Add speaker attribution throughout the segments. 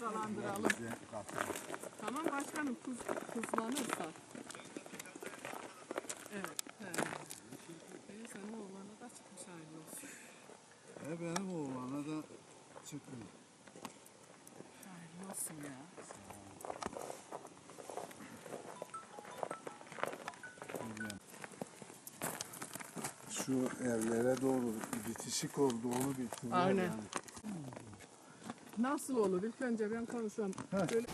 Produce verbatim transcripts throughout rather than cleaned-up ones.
Speaker 1: cezalandıralım. Tamam başkanım, kuz, kuzlanırsa. Evet. He. E, senin oğlana da çıkmış hayırlı olsun.
Speaker 2: E benim oğlana da çıkmıyor.
Speaker 1: Hayırlı olsun ya.
Speaker 2: Şu evlere doğru bitişik oldu, onu bitirdiler.
Speaker 1: Aynen.
Speaker 2: Yani.
Speaker 1: Nasıl olur? İlk önce ben konuşuyorum. Böyle...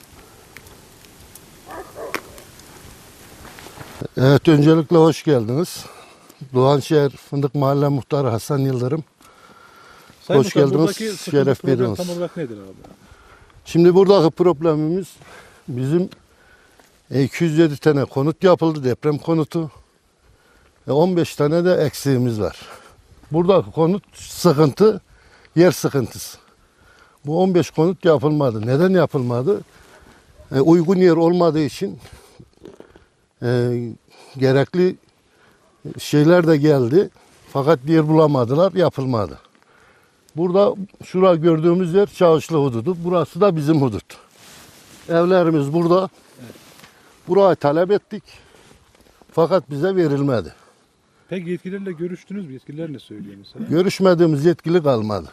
Speaker 3: Evet, öncelikle hoş geldiniz. Doğanşehir Fındık Mahalle Muhtarı Hasan Yıldırım.
Speaker 4: Sayın
Speaker 3: Hoş
Speaker 4: Muhtar,
Speaker 3: geldiniz,
Speaker 4: buradaki sıkıntı
Speaker 3: şeref
Speaker 4: problem
Speaker 3: verdiniz.
Speaker 4: Tam olarak nedir abi?
Speaker 3: Şimdi buradaki problemimiz bizim iki yüz yedi tane konut yapıldı, deprem konutu. on beş tane de eksiğimiz var. Buradaki konut sıkıntı, yer sıkıntısı. Bu on beş konut yapılmadı. Neden yapılmadı? E, uygun yer olmadığı için e, gerekli şeyler de geldi. Fakat yer bulamadılar, yapılmadı. Burada şura gördüğümüz yer Çağışlı hududu. Burası da bizim hudut. Evlerimiz burada.
Speaker 4: Evet.
Speaker 3: Burayı talep ettik. Fakat bize verilmedi.
Speaker 4: Peki yetkililerle görüştünüz mü? Yetkililer ne söylüyor mesela?
Speaker 3: Görüşmediğimiz yetkili kalmadı.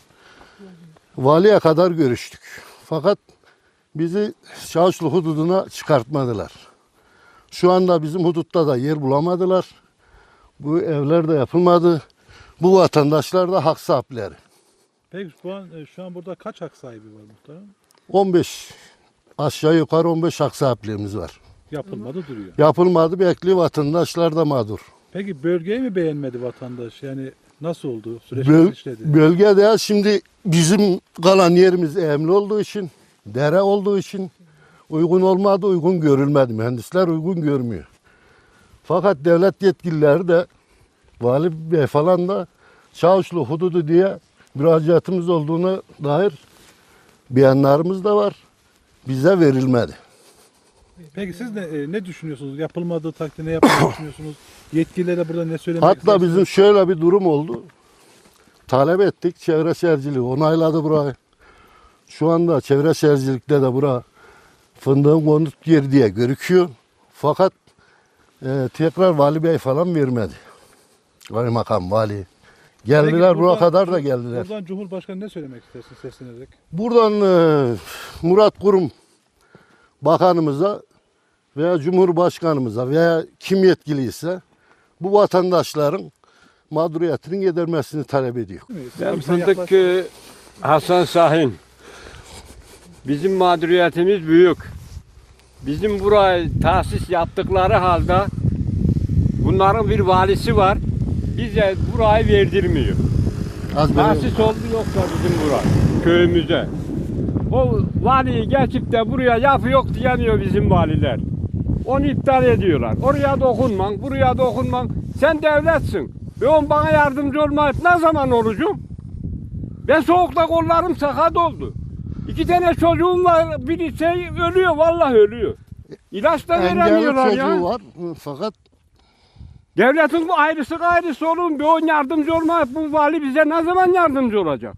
Speaker 3: Valiye kadar görüştük. Fakat bizi Çağışlı hududuna çıkartmadılar. Şu anda bizim hudutta da yer bulamadılar. Bu evler de yapılmadı. Bu vatandaşlar da hak sahipleri.
Speaker 4: Peki şu an, şu an burada kaç hak sahibi var muhtarım?
Speaker 3: on beş aşağı yukarı on beş hak sahipliğimiz var.
Speaker 4: Yapılmadı duruyor.
Speaker 3: Yapılmadı, bekliyor, vatandaşlar da mağdur.
Speaker 4: Peki bölgeyi mi beğenmedi vatandaş? Yani nasıl oldu? Süreç
Speaker 3: Böl
Speaker 4: nasıl işledi?
Speaker 3: bölgede şimdi bizim kalan yerimiz emli olduğu için, dere olduğu için uygun olmadı, uygun görülmedi. Mühendisler uygun görmüyor. Fakat devlet yetkilileri de, vali bey falan da Çavuşlu hududu diye müracaatımız olduğuna dair beyanlarımız da var. Bize verilmedi.
Speaker 4: Peki siz ne, e, ne düşünüyorsunuz? Yapılmadığı takdirde ne yapmayı düşünüyorsunuz? Yetkililere burada ne söylemek
Speaker 3: Hatta
Speaker 4: istersiniz?
Speaker 3: bizim şöyle bir durum oldu. Talep ettik, çevre şehirciliği onayladı burayı. Şu anda çevre şehircilikte de bura fındığın konut yeri diye görüküyor. Fakat e, tekrar vali bey falan vermedi. Kaymakam, vali. Geldiler,
Speaker 4: Peki
Speaker 3: buraya
Speaker 4: buradan-
Speaker 3: kadar da geldiler.
Speaker 4: Buradan Cumhurbaşkanı ne söylemek istersin seslenerek?
Speaker 3: Buradan e, Murat Kurum bakanımıza veya Cumhurbaşkanımıza veya kim yetkiliyse bu vatandaşların mağduriyetinin gidermesini talep ediyor.
Speaker 5: Ben Fındık Köyü Hasan Şahin. Bizim mağduriyetimiz büyük. Bizim buraya tahsis yaptıkları halde bunların bir valisi var. Bize burayı verdirmiyor.
Speaker 3: Az
Speaker 5: Tahsis oldu yoksa bizim bura köyümüze. O valiyi geçip de buraya yapı yok diyemiyor bizim valiler. Onu iptal ediyorlar. Oraya dokunman, buraya dokunman. Sen devletsin. Ve on bana yardımcı olmayıp ne zaman olacağım? Ben soğukta kollarım sakat oldu. İki tane çocuğum var. Biri şey ölüyor, vallahi ölüyor. İlaç da
Speaker 3: engelli
Speaker 5: veremiyorlar
Speaker 3: çocuğu
Speaker 5: ya.
Speaker 3: var fakat
Speaker 5: Devletin bu ayrısı gayrısı olun. Bir on yardımcı olmayıp bu vali bize ne zaman yardımcı olacak?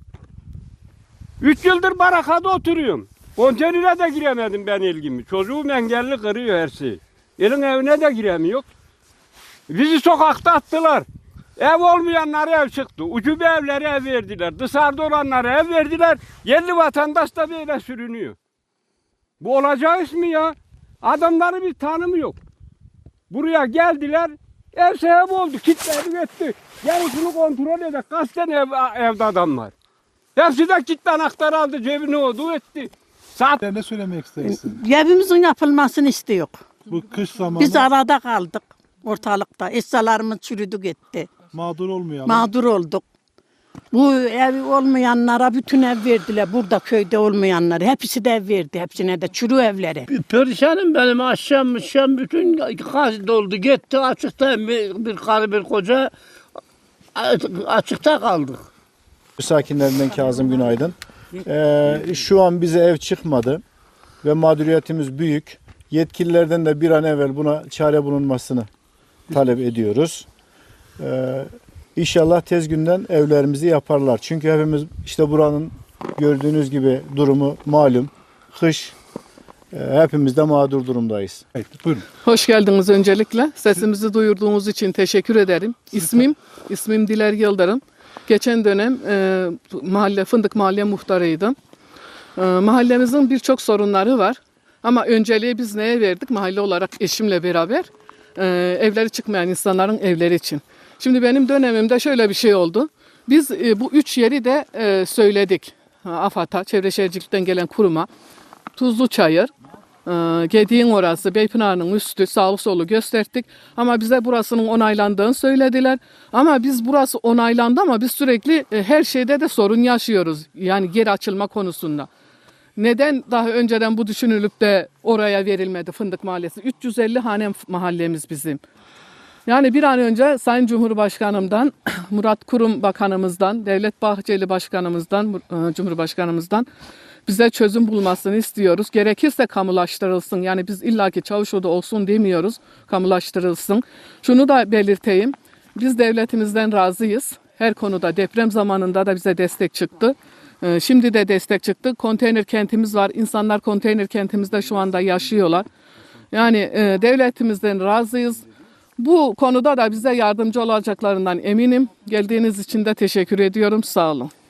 Speaker 5: Üç yıldır barakada oturuyorum. Konteynere de giremedim ben ilgimi. Çocuğum engelli kırıyor her şeyi. Elin evine de giremiyor. Bizi sokakta attılar. Ev olmayanlara ev çıktı. Ucube evlere ev verdiler. Dışarıda olanlara ev verdiler. Yerli vatandaş da böyle sürünüyor. Bu olacağı iş mi ya? Adamları bir tanımı yok. Buraya geldiler. Ev sahibi oldu. Kilitledik etti. Yarısını kontrol eder. Kaç tane ev, evde adam var. Hepsi de kilitli anahtarı aldı. Cebine oldu etti. Saat
Speaker 4: Ne söylemek istersin?
Speaker 6: Evimizin yapılmasını istiyor.
Speaker 4: Bu kış zamanı
Speaker 6: Biz arada kaldık ortalıkta. Eşyalarımız çürüdü gitti.
Speaker 4: mağdur olmayalım.
Speaker 6: Mağdur olduk. Bu ev olmayanlara bütün ev verdiler. Burada köyde olmayanlara. Hepsi de ev verdi. Hepsine de çürü evleri.
Speaker 7: Perişanım benim akşam akşam bütün gaz doldu gitti açıkta bir, bir karı bir koca açıkta kaldık.
Speaker 8: Sakinlerinden Kazım Günaydın. Ee, şu an bize ev çıkmadı ve mağduriyetimiz büyük. Yetkililerden de bir an evvel buna çare bulunmasını talep ediyoruz. Ee, İnşallah tez günden evlerimizi yaparlar. Çünkü hepimiz işte buranın gördüğünüz gibi durumu malum. Kış, e, hepimiz de mağdur durumdayız.
Speaker 4: Evet, buyurun.
Speaker 1: Hoş geldiniz öncelikle. Sesimizi duyurduğunuz için teşekkür ederim. İsmim, ismim Diler Yıldırım. Geçen dönem e, mahalle Fındık Mahalle Muhtarıydım. E, mahallemizin birçok sorunları var. Ama önceliği biz neye verdik? Mahalle olarak eşimle beraber e, evleri çıkmayan insanların evleri için. Şimdi benim dönemimde şöyle bir şey oldu. Biz e, bu üç yeri de e, söyledik. AFAD'a, Çevre Şehircilik'ten gelen kuruma. Tuzluçayır, e, Gediğin orası, Beypınar'ın üstü, sağlı solu gösterdik. Ama bize burasının onaylandığını söylediler. Ama biz burası onaylandı ama biz sürekli e, her şeyde de sorun yaşıyoruz. Yani geri açılma konusunda. Neden daha önceden bu düşünülüp de oraya verilmedi Fındık Mahallesi? üç yüz elli hane mahallemiz bizim. Yani bir an önce Sayın Cumhurbaşkanımdan, Murat Kurum Bakanımızdan, Devlet Bahçeli Başkanımızdan, Cumhurbaşkanımızdan bize çözüm bulmasını istiyoruz. Gerekirse kamulaştırılsın. Yani biz illaki Çavuşoğlu olsun demiyoruz. Kamulaştırılsın. Şunu da belirteyim. Biz devletimizden razıyız. Her konuda deprem zamanında da bize destek çıktı. Şimdi de destek çıktı. Konteyner kentimiz var. İnsanlar konteyner kentimizde şu anda yaşıyorlar. Yani e, devletimizden razıyız. Bu konuda da bize yardımcı olacaklarından eminim. Geldiğiniz için de teşekkür ediyorum. Sağ olun.